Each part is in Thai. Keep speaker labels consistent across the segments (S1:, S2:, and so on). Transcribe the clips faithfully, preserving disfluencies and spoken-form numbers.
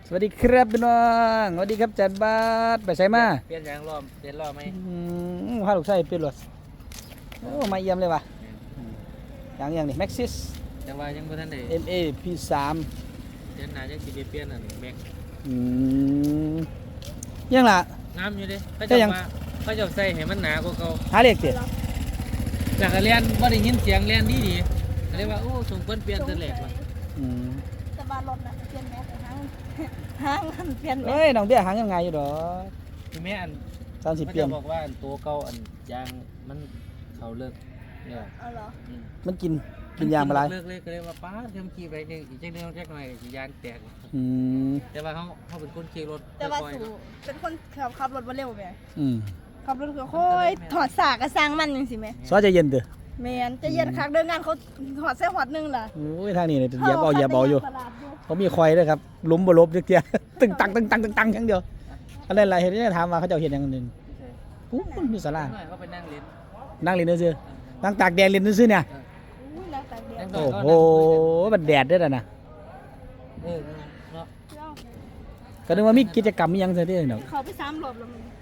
S1: สวัสดีครับพี่น้องสวัสดีครับจันบาสไปใส่มา
S2: เปลี่ยนยางรอบเปลี่ยนรอบไหม
S1: อืมพาลูกชายเปลี่ยนรถโอ้มาเยี่ยมเลยว่ะอย่างอย่างนี้แม็กซิส
S2: แต่ว่ายังบ่ทันได้
S1: เอ็มเอพีสาม
S2: เดือนหน้าจะสิไปเปลี่ยนอันแม็ก
S1: อืมยังล่ะ
S2: งามอยู่เด้เขา
S1: แต่
S2: จะ
S1: ยัง
S2: มาเขาจะใส่ให้มันหนากว่าเก่า
S1: หาเลขเถอะ
S2: แต่ก็เรียนบ่ได้ยินเสียงเรียนดีดีก็เลยว่าโอ้สมควรเปลี่ยนแต่แรกว่ะ
S1: อืม
S3: แต่บ้านรถน่ะเปลี่ยนแม็กซ์ห้างห้างมันเปลี่ยนแม็
S1: เอ้
S3: ก
S1: ย
S3: ซ์
S1: น้องเบี้ยหางยังไงอยู่ดอก
S2: คือแม่อัน
S1: สามสิบ
S2: เขา
S1: เปลี่ย
S2: จะ
S1: น
S2: บอกว่าอันตัวเก่าอันยางมันเขาเลิกเนี่ย
S3: เอาเหรอ
S2: อืม
S1: มันกินกินยางมาไร
S2: เลิกเลยก็เลยว่าป้าเทำขี่ไปเนี่ยอีกจักเดือนจักหน่อยสิยางแตก
S1: อืม
S2: แต่ว่าเขาเขาเป็นคนขี่รถ
S3: แต่ว่า
S2: ค่อยๆ
S3: สู่
S2: เนาะ
S3: เป็นคนขับขับรถมาเร็วแม่
S1: อืม
S3: ขับรถคือค่อยถอดสากกระซังมันจังสิแม่
S1: ซอยใจเย็นเถอะ
S3: แม่นจะเย็นคักเดินงานเขาถอดเส้หอดหนึงล่ะ
S1: โอ้ยทางนี้เนี่ยเหยียบเอาเหยียบเอาอยู่
S3: ตลาดอยู่
S1: เขามีควายด้วยครับล้มบ่ลบเดียวตึงตังตึงตังตึงตังอย่างเดียวอะไรอะไรเห็นได้ถามว่าเขาจะเห็นอย่างหนึ่งอู้มันมีสารา
S2: หน่อยเขาไปนั่งเล่น
S1: นั่งเรียนซื่อๆนั่งตากแดดเรียนซื่อๆเนี่ย
S3: อุ้ยนักตากแดด
S1: โอ้โหมันแดดด้วยนะ
S2: เออเนาะ
S3: เจ้า
S1: ก็นึกว่ามีกิจกรรมอิหยังซะที่เนาะ
S3: เขาไปซ้ำรถแล้วมัน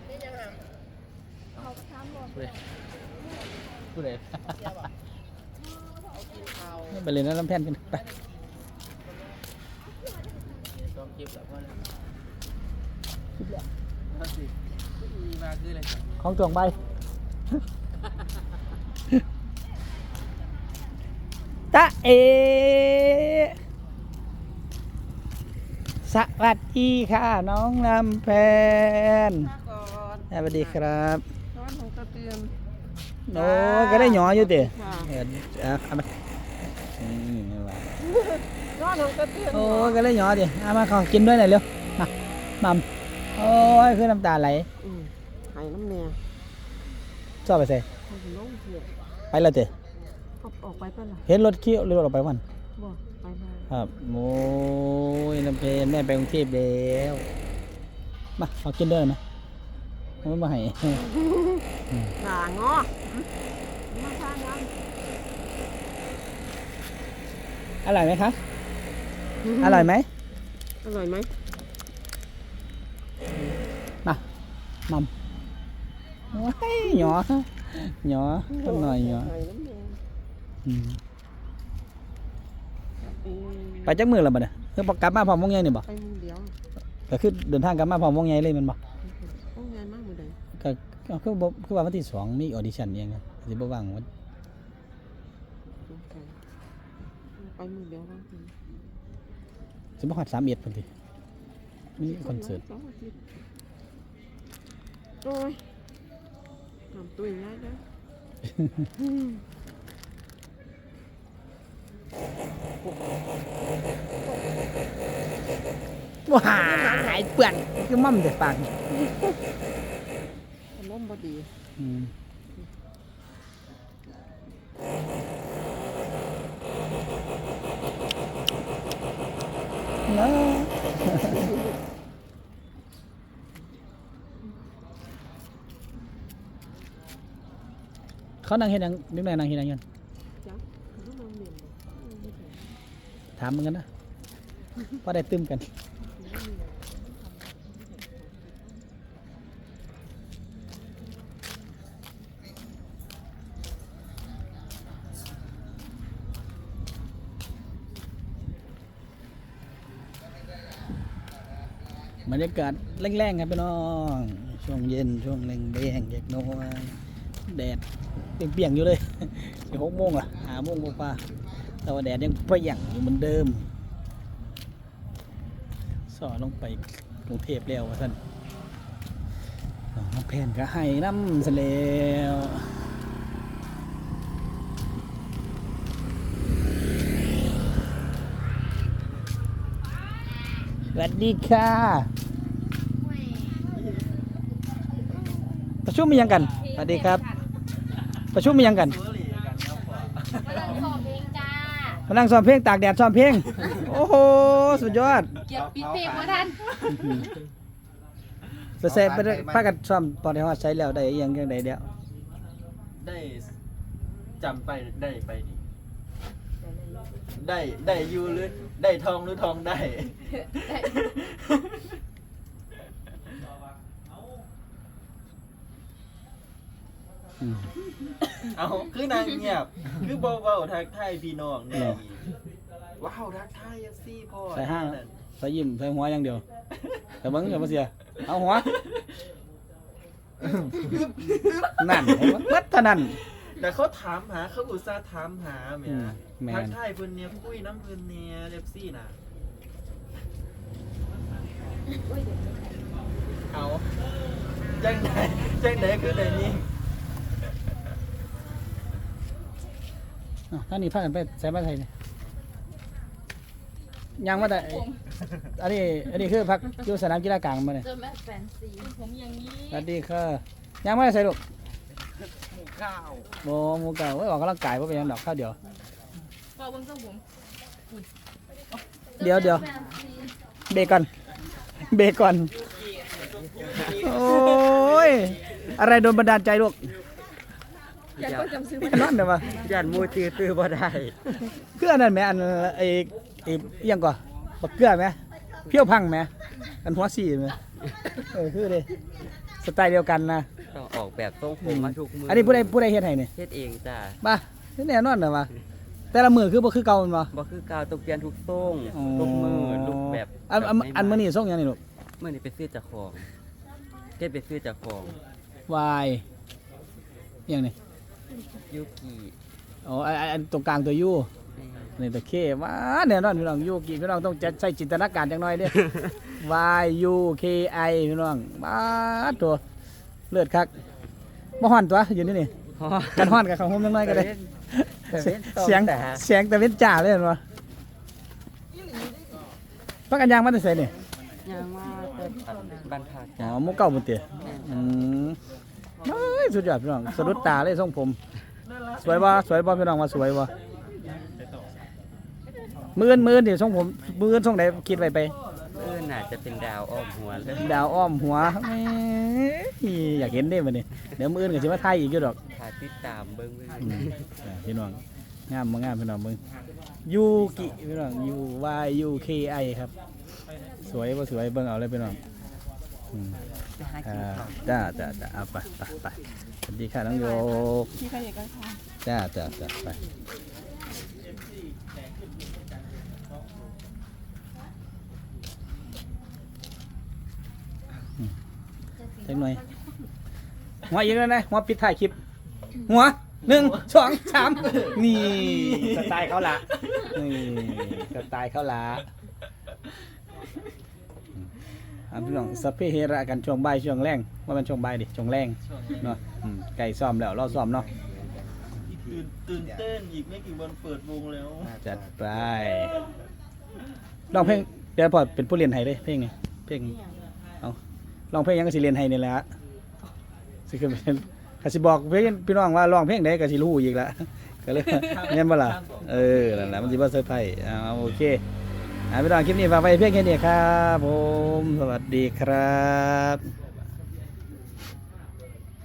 S3: เขาไปซ้ำรถ
S2: ผู้ใด
S1: ไปเล่นน้ำแผ่นกันไป
S2: ต้องเก็บแล้วก็แล้วสิมาคืออะไรกัน
S1: ของจวงใบตะเอสวัสดีค่ะน้องลำแพน
S3: ก่อน
S1: สวัสดีครับ
S3: นอนของตะเตือน
S1: โอ้ก็ได้หยออยู่เตะ
S3: ค่ะ
S1: เออเอามาอืมนี่ว่ะ
S3: นอนของตะเตือน
S1: โอ้ก็ได้หยอดิเอามาขอกินด้วยหน่อยเร็วมามัมโอ้ยคือน้ำตาไหล
S4: อืมไห้น้ำแน่
S1: ชอบไปใส่
S4: เขาสิลงเสีย
S1: ไปแล้วเตะ
S4: เขาออกไปเปะล่ะ
S1: เห็นรถเขี้ยวรถออกไปวัน
S4: บ่ไปมา
S1: ครับโอ้ยลำเพนแม่ไปกรุงเทพแล้วมาขอกินด้วยไหมไม่มาให้
S4: หนางอมาสร้างงาน
S1: อร่อยไหมคะอร่อยไหม
S4: อร่อยไหม
S1: มามัมว้ายหยอหยอต้นหน่อยหยอ
S4: ไห้น้ำแน่
S1: อืม
S4: เออ
S1: ไปจักมือแล้วบัดเนี่ยคือกลับมาพร้อมวงใหญ่นี่บ่
S4: ไปมือเดียว
S1: ก็คือเดินทางกลับมาพร้อมวงใหญ่เลยแมันบ่
S4: โอ้งานมากมือใด
S1: ก็ก็คือบ่คือว่าวันที่สองมีออดิชั่นอิหยังไงสิบ่ว่างวัน
S4: สงสัยไปมือเดียวบ้างสิ
S1: สิบ่ฮอดสามสิบเอ็ดพุ่นติมีคอนเสิร์ต
S4: สองอาทิตย์โอ้ยทำตัวง่ายนะ
S1: ว้ายเปื้อนคือม่อมแต่ปากนี่
S4: อารมณ์บ่ดี
S1: อืมเนาะเขานั่งเฮ็ดหยังนึกได้นั่งเฮ็ดหยังอยู่
S4: จ้ะเขาต้องนอนเรียนบ่ไม่ถึง
S1: ถามเหมือนกันนะว่าได้ตึมกันบรรยากาศแรงๆครับพี่น้องช่วงเย็นช่วงแรงแดงแยกโน้นแดดเปรียงๆอยู่เลย สิหกโมงละหาโมงกว่าๆแต่ว่าแดดยังเปรี้ยงอยู่เหมือนเดิมสอลงไปกรุงเทพแล้วว่าท่านน้องแพนก็ให้น้ำเสลวสวัสดีค่ะประชุมมียังกันสวัสดีครับ ประชุมมียังกัน
S3: มาเริ่มสอบเพลงจ้า
S1: มานั่งซ้อมเพลงตากแดดซ้อมเพลง โอ้โห สุดยอด
S3: เก็บปิดเพลงบ่ทัน
S1: ไปใส่ไปได้พากันซ้อมตอนที่ฮอดใช้แล้วได้อิหยังจังไดเดียว
S2: ได้จำไปได้ไปดิ
S5: ได้ได้อยู่หรือได้ทองหรือทองได้
S1: อืม
S5: เอาคือนางเงียบ คือเบาๆทักทายพี่น้องเนี่ยว้าวทักทายยังซี่พ่อ
S1: ใส่ห้าง
S5: นั่น
S1: ใส่ยิ้มใส่หัวอย่างเดียวแต่เบิ้งอย่ามาเสียเอาหัวนั่นให้มันเบิดเท่านั้น
S5: แต่เขาถามหาเขาอุตส่าห์ถามหาแหม่
S1: อืมแม่น
S5: ทักทายเพิ่นเนี่ยคุยน้ำเพิ่นเนี่ยเล็บซี่น่ะเอาจังไหนจังไหนคือไหนนี่
S1: อ่ะท่านนี่พากันไปใส่มาไทยเนี่ยยังมาแต่อันนี้อันนี้คือพักอยู่สนามกีฬากลางมาเนี่ย
S3: เจอแม่แฟนซีผมอย่างนี้
S1: สวัสดีค่ะยังไม่ได้ใส่ลูก
S5: หมูข้าว
S1: โมหมูเก่าไว้ออกกำลังกายว่าเป็นยังดอกข้าวเดียว
S3: พอเบิ่งทรงผม
S1: เดี๋ยวเดี๋ยวเบรกก่อนเบรกก่อนโอ้ยอะไรโดนบันดาลใจลูก
S3: อยากก็จำซื้อ
S1: นั่นเดี๋ยวมา
S2: ย่านมูตื้อตื้อบ่ได้
S1: เกลือนั่นไหมอันไอ้ไอ้อิหยังก่อนบักเกลือไหมเพี้ยวพังไหมอันหัวสีไหมเออคือเลยสไตล์เดียวกันนะ
S2: ต้องออกแบบทรงผมมาทุกมือ
S1: อั
S2: อั
S1: นนี้ผู้ใดผู้ใดเฮ็ดให้เนี่ย
S2: เฮ็ดเองจ้า
S1: มาแน่นอนเหรอวะแต่ละมือคือบ่คือเก่าแมันบ่
S2: บ่คือกาวตกเปลี่ยนทุกทรงทุกมือทุกแบบ
S1: อันอันอันมื้อนี้ส่งหยังนี่ลูก
S2: มื้อนี้ไปซื้อจากของเฮ็ดไปซื้อจากของ
S1: วายอิหยังนี่
S2: ยูกิ
S1: อ๋ออันอันอันตรงกลางตัวยูนี่ตะเคว่าแน่นอนพี่น้องยูกิพี่น้องต้องใช้จินตนาการจังหน่อยเด้ Y U K I พี่น้องมาตัวเลือดคักบ่ฮ้อนตัวอยู่นี่นี่กันฮ้อนกับข้าวหอมจังหน่อยก็ได้ เสียงเสียงแต่เว้นจ่าเลยเห็นบ่พักกันยางมาแต่ไสนี่
S2: ยังว่าแต่บ้านพัก
S1: อ๋อ
S2: จ้า
S1: หมู่เก่าบ่เตี้ยอืมเฮ้ยสุดยอดพี่น้องสะดุดตาเลยทรงผม สวยบ่สวยบ่พี่น้องว่าสวยบ่มื้อนมื้อนนี่ทรงผมมื้อนทรงไหนคิดไว้ไป
S2: เออน่าจะเป็นดาวอ้อมหัวเลย
S1: ดาวอ้อมหัวแหมอยากเห็นเด้บัดนี้เดี๋ยวมื้ออื่นก็สิมาถ่ายอีกอยู่ดอก
S2: ถ้าติดตามเบิ่งเบิ่ง
S1: อืมอ่าพี่น้องงามบ่งามพี่น้องมึงยูกิพี่น้อง U Y U K I ครับ สวยบ่สวยเบิ่งเอาเลยพี่น้องอืมอ่าจ้าจ้าจ้าเอาไปไปไปสวัสดีค่ะน้องโยก
S3: ที่ใครอยากกันค่ะ
S1: จ้าจ้าจ้าไปอืมเล็กหน่อยหัวอีกแล้วนะหัวปิดท้ายคลิป หัวหนึ่งสองสามนี่สไตล์เขาละนี่สไตล์เขาละอ่าพี่น้องสพเพเฮระกันช่วงบ่ายช่วงแรงว่ามันช่วงบ่ายดิช่วงแรงเนาะอืมไก่ซ้อมแล้วเราซ้อมเนาะ
S5: ตื่นตื่นเต้นอีกไม่กี่วันเปิดวงแล้ว
S1: จัดไปร้องเพลงเดี๋ยวพอเป็นผู้เรียนไทยเลยเพลงนี้เพลงเอาร้องเพลงยังก็สิเรียนไทยนี่แหละสิคือเป็นกสิบอกเพลงพี่น้องว่าร้องเพลงใดก็สิรู้อีกละก็เลยเงี้ยบ่ล่ะเออนั่นแหละมันสิบ่เซอร์ไพรส์เอาโอเคอ่าพี่น้องคลิปนี้ฝากไว้เพียงแค่นี้ครับผมสวัสดีครับ